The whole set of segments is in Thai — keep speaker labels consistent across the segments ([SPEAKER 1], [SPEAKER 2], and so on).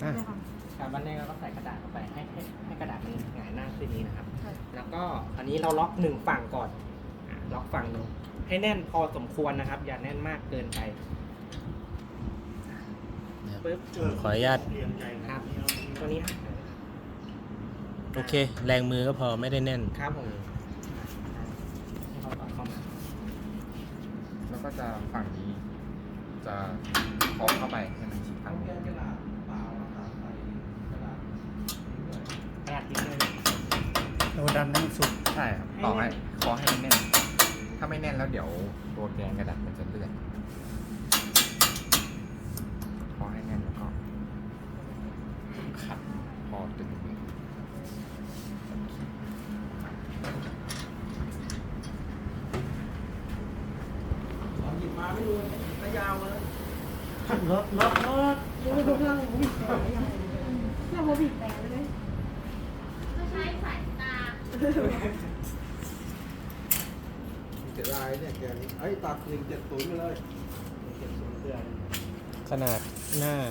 [SPEAKER 1] อ่ะ
[SPEAKER 2] เลยค่ะ
[SPEAKER 3] การบันแรกเราก็ใส่กระดาษเข้าไปให้กระดาษมันหงายหน้าขึ้นนี้นะครับ
[SPEAKER 2] ใช่
[SPEAKER 3] แล้วก็อันนี้เราล็อกหนึ่งฝั่งก่อนล็อกฝั่งหนึ่งให้แน่นพอสมควรนะครับ อย่าแน่นมากเกินไปปึ๊บ
[SPEAKER 1] ขออนุญาต
[SPEAKER 3] ครับตัวนี้
[SPEAKER 1] โอเค แรงมือก็พอไม่ได้แน่น
[SPEAKER 3] ครับผมให้เขาต่อเข้ามา
[SPEAKER 4] แล้วก็จะฝั่งนี้จะเคาะเข้าไปให้มันชิดฝั่งนี้
[SPEAKER 3] กระดาษทิ้งเลย
[SPEAKER 5] เราดันให้มันสุด
[SPEAKER 4] ใช่ครับต่อให้เคาะให้มันแน่น ถ้าไม่แน่นแล้วเดี๋ยวตัวแกนกระดาษมันจะเลื่อนเคาะให้แน่นแล้วก็ขัดพอตึง
[SPEAKER 3] หยิบมาไม่ดูระยาวเลย
[SPEAKER 5] รถ
[SPEAKER 2] เดี๋ยวไปดูเครื่องบีบแต่ยังเครื่องบีบแต่เลย
[SPEAKER 6] ก็ใช้สายตา
[SPEAKER 7] เสียดายเนี่ยแกนี่ตัด170ไปเลย
[SPEAKER 3] เก็บสูงเดือน
[SPEAKER 1] ขนาดหน้า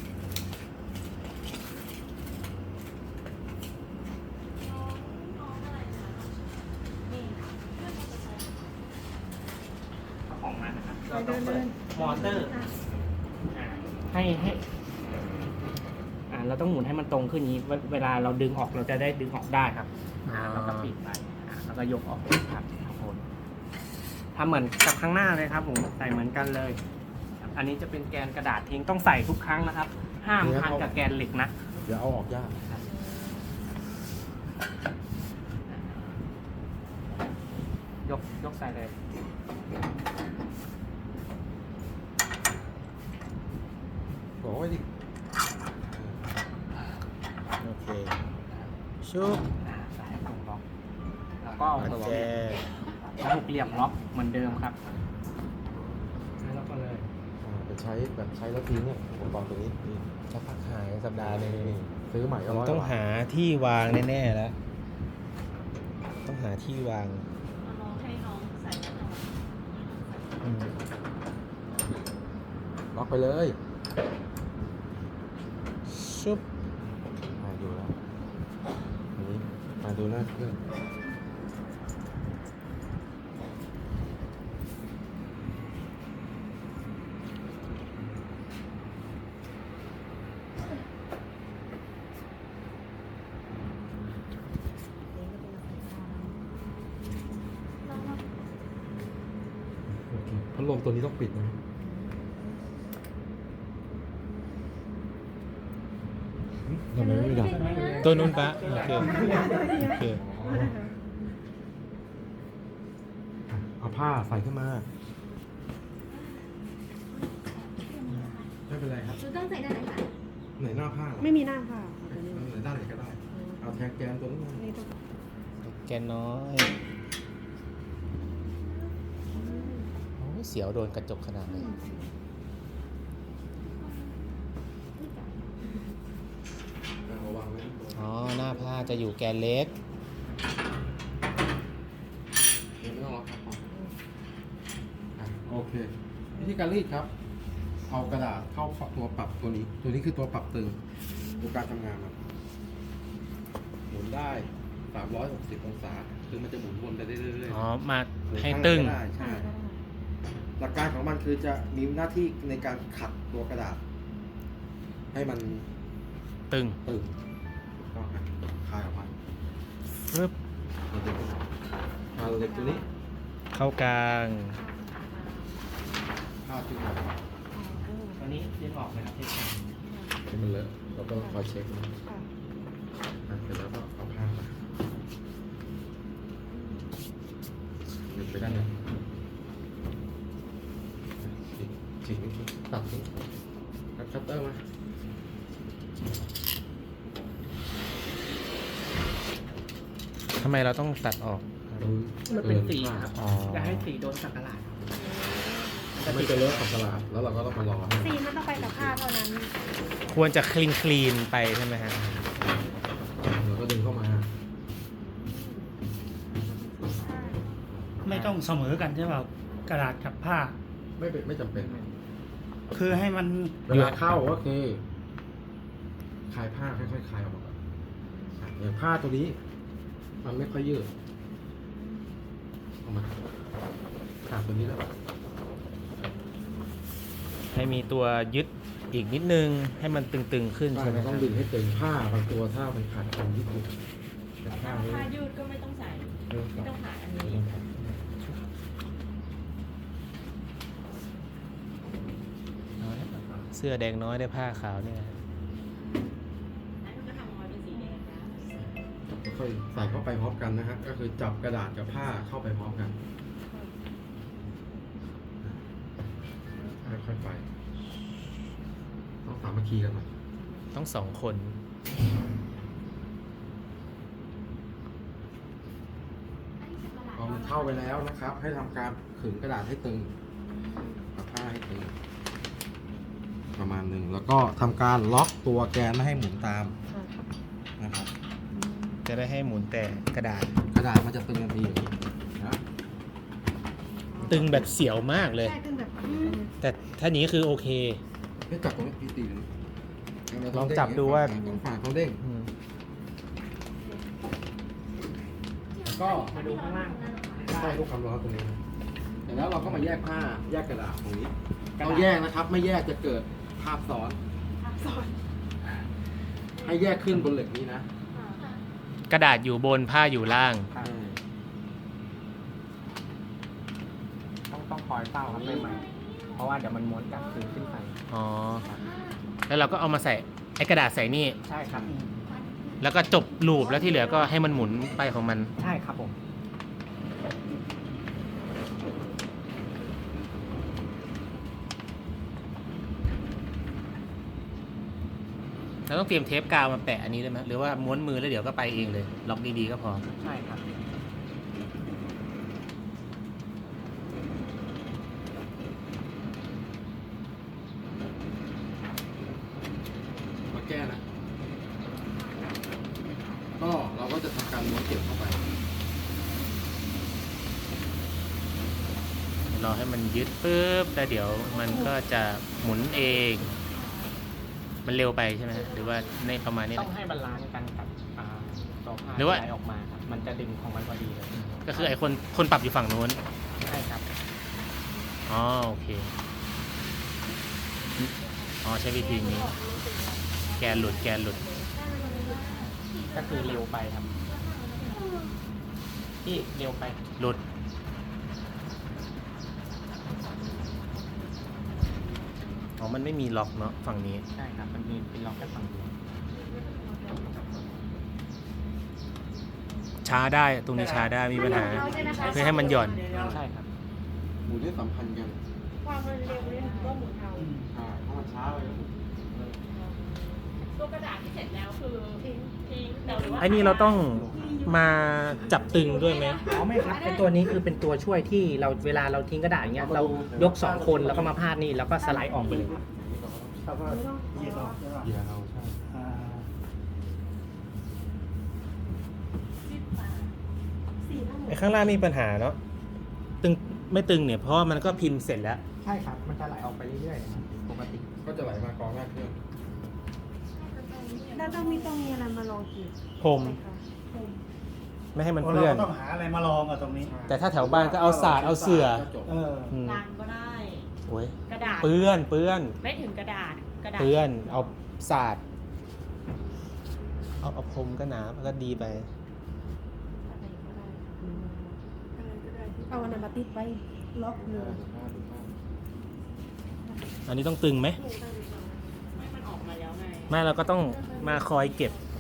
[SPEAKER 3] ของมันนะครับเราต้องเปิดมอเตอร์ให้เราต้องหมุนให้มันตรงขึ้นนี้เวลาเราดึงออกเราจะได้ดึงออกได้ครับเราก็ปิดไปแล้วก็ยกออกครับทุกคนทำเหมือนกับข้างหน้าเลยครับผมใส่เหมือนกันเลย อันนี้จะเป็นแกนกระดาษทิ้งต้องใส่ทุกครั้งนะครับ ห้ามพันกับแกนเหล็กนะ
[SPEAKER 7] เดี๋ยวเอาออกยาก
[SPEAKER 3] ยกใส่เลย
[SPEAKER 7] บอกไว้ดิ
[SPEAKER 1] โอเค ชุบ
[SPEAKER 3] ใส่ตรงล็อกแล้วก็เอา
[SPEAKER 1] ปัจ
[SPEAKER 3] ตัว
[SPEAKER 1] แจ
[SPEAKER 3] แล้วหกเหลี่ยมล็อกเหมือนเดิมครับแล้วก็เลย
[SPEAKER 7] เป็นใช้แบบใช้แล้วทิ้งเนี่ยอุปกรณ์ตัวนี้นี่
[SPEAKER 1] จะพักหายสัปดาห์หนึง
[SPEAKER 7] นี่ซื้อใหม่ก็
[SPEAKER 1] ผม
[SPEAKER 7] ร้อย
[SPEAKER 1] ต้อง
[SPEAKER 7] กว่า
[SPEAKER 1] หาที่วางแน่ๆแล้ว ต้องหาที่วาง
[SPEAKER 6] เอาน้องให้น้องใส่กระดาษ
[SPEAKER 1] อืม
[SPEAKER 7] ล็อกไปเลย
[SPEAKER 1] ชุบ
[SPEAKER 7] ดูแล้วอันนี้มาดูหน้าเครื่อง โอเคพัดลมตัวนี้ต้องปิดนะทำไมไม่ดับ
[SPEAKER 1] ตัวนู้นปะโอเค โอเค
[SPEAKER 7] เอาผ้าใส่ขึ้นมา ไม่เป็นไรครับ
[SPEAKER 6] คือต้องใส่ด้านไหนคะ
[SPEAKER 7] ไหนหน้าผ้า
[SPEAKER 2] ไม่มีหน้าค่ะตัวนี้
[SPEAKER 7] ไหนด้านไหนก็ได้ เอาแทงแกนตัวนี้มา
[SPEAKER 2] นี่ต้อง
[SPEAKER 1] แกนน้อยโอ้ยเสียวโดนกระจกขนาดนี้
[SPEAKER 7] เอาวางไว้ที่ตัว
[SPEAKER 1] อ๋อ หน้าผ้าจะอยู่แกนเล็ก
[SPEAKER 7] เดี๋ยวไม่ต้องล็อกครับโอเค วิธีการรีดครับ เอากระดาษเข้าตัวปรับตัวนี้ ตัวนี้คือตัวปรับตึงดูการทำงานมันหมุนได้360องศา คือมันจะหมุนวนไปเรื่อยๆ
[SPEAKER 1] อ๋อ มา
[SPEAKER 7] หรือ
[SPEAKER 1] ให้
[SPEAKER 7] ข้าง
[SPEAKER 1] ตึง
[SPEAKER 7] ก็ได้ใช่ หลักการของมันคือจะมีหน้าที่ในการขัดตัวกระดาษ ให้มัน
[SPEAKER 1] ตึง
[SPEAKER 7] ตึงถูกต้องครับคลายออกมา
[SPEAKER 1] ฟึบ
[SPEAKER 7] เอาเหล็กเอาเหล็กตัวนี้
[SPEAKER 1] เข้ากลาง
[SPEAKER 7] ผ้าดึงออก
[SPEAKER 3] ตัวนี้ดึงออกเลยครับที่
[SPEAKER 7] ให้มันเลอะเราก็คอยเช็คนะเสร็จแล้วก็เอาผ้ามาหยุดไปด้านนี้ฉีกตัดทิ้งแล้วคัตเตอร์มา
[SPEAKER 1] ทำไมเราต้องตัดออก
[SPEAKER 3] มันเป็นสีครับ
[SPEAKER 1] อ๋อ
[SPEAKER 3] จะให้สีโดนสักการะ
[SPEAKER 7] ไม่จะเลอะของตลาดแล้วเราก็ต้องมารอให้
[SPEAKER 2] สีมันต้องไปกับผ้าเท่านั้น
[SPEAKER 1] ควรจะคลีนไปใช่ไหมฮะ
[SPEAKER 7] เราก็ดึงเข้ามา
[SPEAKER 5] ไม่ต้องเสมอกันใช่เปล่ากระดาษกับผ้า
[SPEAKER 7] ไม่จำเป็น
[SPEAKER 5] คือให้มัน
[SPEAKER 7] เวลาเข้าก็คือคลายผ้าค่อยๆคลายออกมาก่อนอย่างผ้าตัวนี้ มันไม่ค่อยยืดออกมาขาดตัวนี้แล้ว
[SPEAKER 1] ให้มีตัวยึดอีกนิดนึงให้มันตึงๆขึ้น
[SPEAKER 7] ใช่
[SPEAKER 1] ใช่ไหม
[SPEAKER 7] มัน
[SPEAKER 1] ค
[SPEAKER 7] ต้
[SPEAKER 1] รั
[SPEAKER 7] อบ งดึงให้ตึงผ้าบางตัวถ้ามันขาดตรงยืดแต่ผ้าไม่
[SPEAKER 6] ผ้ายืดก็ไม่ต้องใส่ ไม่ต้องหาอันนี้
[SPEAKER 1] เสื้อแดงน้อยได้ผ้าขาวเนี่ย
[SPEAKER 6] อันนี้ก็ทำออกมาเป็นสีแดงนะ
[SPEAKER 7] ค่อยใส่เข้าไปพร้อมกันนะฮะก็คือจับกระดาษกับผ้าเข้าไปพร้อมกันค่อยๆไปต้องสามัคคีกันหน่อย
[SPEAKER 1] ต้องสองคน
[SPEAKER 7] พอมันเข้าไปแล้วนะครับ ให้ทำการขึงกระดาษให้ตึงกับผ้าให้ตึงประมาณหนึ่งแล้วก็ทำการล็อกตัวแกนไม่ให้หมุนตามนะครับ
[SPEAKER 1] จะได้ให้หมุนแต่กระดาษ
[SPEAKER 7] กระดาษมันจะตึงกันดีอย่างนี้นะ
[SPEAKER 1] ตึงแบบเสียวมากเลย
[SPEAKER 2] ใช่ขึ้นแบบ
[SPEAKER 1] แต่ถ้านี้คือโอเค
[SPEAKER 7] ให้จับตรงนี้พี่ตีตรงนี้
[SPEAKER 1] ลองจับดูว่า
[SPEAKER 7] สองฝั่งเขาเด้ง
[SPEAKER 1] อืม
[SPEAKER 7] แล้วก็
[SPEAKER 3] มาดูข้างล่าง
[SPEAKER 7] ใช่ลูกความร้อนตรงนี้นะเสร็จแล้วเราก็มาแยกผ้าแยกกระดาษตรงนี้
[SPEAKER 3] กระ
[SPEAKER 7] ต้อ
[SPEAKER 3] ดาง ษ
[SPEAKER 7] แยกนะครับ ไม่แยกจะเกิดภาพซ้อน ให้แยกขึ้นบนเหล็กนี้นะ
[SPEAKER 1] กระดาษอยู่บนผ้าอยู่ล่าง
[SPEAKER 3] ครับต้องคอยเฝ้าครับใหม่ๆเพราะว่าเดี๋ยวมันม้วนกลับคืนขึ้นไป
[SPEAKER 1] อ๋อ แล้วเราก็เอามาใส่ไอ้กระดาษใส่นี่
[SPEAKER 3] ใช่ครับ
[SPEAKER 1] แล้วก็จบลูปแล้วที่เหลือก็ให้มันหมุนไปของมัน
[SPEAKER 3] ใช่ครับผม
[SPEAKER 1] เราต้องเตรียมเทปกาวมาแปะอันนี้ได้ไหมหรือว่าม้วนมือแล้วเดี๋ยวก็ไปเองเลย ล็อกดีๆก็พอ
[SPEAKER 3] ใช่ครับ
[SPEAKER 7] มาแก้นะ ก็เราก็จะทำการม้วนเก็บเข้าไป
[SPEAKER 1] รอให้มันยึดปุ๊บแล้วเดี๋ยวมันก็จะหมุนเอง มันเร็วไปใช่ไหมฮะหรือว่าในประมาณนี้
[SPEAKER 3] ต้องให้บาลานซ์กันกับตัวผ้า
[SPEAKER 1] หรือว่า
[SPEAKER 3] ที่ไหลออกมาครับ มันจะดึงของมันพอดีเลย
[SPEAKER 1] ก็คือไอ้คนปรับอยู่ฝั่งนู้น
[SPEAKER 3] ใช่ครับ
[SPEAKER 1] อ๋อโอเค อ๋อใช้วิธีนี้ แกนหลุด
[SPEAKER 3] ก็คือเร็วไปครับที่เร็วไป
[SPEAKER 1] หลุด อ๋อ มันไม่มีล็อกเนาะฝั่งนี้
[SPEAKER 3] ใช่ครับ มันมีเป็นล็อกแค่ฝั่งเดียว
[SPEAKER 1] ช้าได้ตรงนี้ช้าได้มีปัญหา เพื่อให้มันหย่อน
[SPEAKER 3] ใช่ครับ
[SPEAKER 7] หมุนให้สัมพันธ์กัน
[SPEAKER 2] ความเร็วเนี่ยก็หมุนเอา
[SPEAKER 7] ถ้ามันช้าไปก็หมุน
[SPEAKER 6] ตัวกระดาษที่เสร็จแล้วคือทิ้งแต่หรือว่า
[SPEAKER 1] ไอ้นี่เราต้องมาจับตึงด้วยไหม
[SPEAKER 3] อ๋อไม่ครับเป็นตัวนี้คือเป็นตัวช่วยที่เราเวลาเราทิ้งกระดาษอย่างเงี้ยเรายก2คนแล้วก็มาพาดนี่แล้วก็สไลด์ออกไปเลยครับ
[SPEAKER 5] แล้วก็เหยียดออกใช่ป่ะ
[SPEAKER 7] เหยียดเอาใช่
[SPEAKER 5] อ่า
[SPEAKER 1] ไอ้ข้างล่างมีปัญหาเนาะ ตึงไม่ตึงเนี่ยเพราะว่ามันก็พิมพ์เสร็จแล้ว
[SPEAKER 3] ใช่ครับ มันจะไหลออกไปเรื่อยๆนะครับปกติ
[SPEAKER 7] ก็จะไหลมากองหน้าเครื่อง
[SPEAKER 2] แล้วต้องมีอะไรมาลองกิน
[SPEAKER 1] พรม ไม่ให้มันเปื้อน
[SPEAKER 5] เราต้องหาอะไรมาลองอ่ะตรงนี้
[SPEAKER 1] แต่ถ้าแถวบ้านก็เอาสาดเอาเสื่อ
[SPEAKER 5] เออ
[SPEAKER 1] อืม
[SPEAKER 6] ลังก็ได้
[SPEAKER 1] โอ้ย
[SPEAKER 6] กระดาษ
[SPEAKER 1] เปื้อน
[SPEAKER 6] ไม่ถึงกระดาษ
[SPEAKER 1] เปื้อน เอาสาดเอาพรมก็หนาก็ดีไป
[SPEAKER 2] เอาอันนั้นมาติดไว้ล็อกเลย
[SPEAKER 1] อันนี้ต้องตึงไหม
[SPEAKER 6] ไม่มันออกมาแล้วไง
[SPEAKER 1] ไม่เราก็ต้องมาคอยเก็บ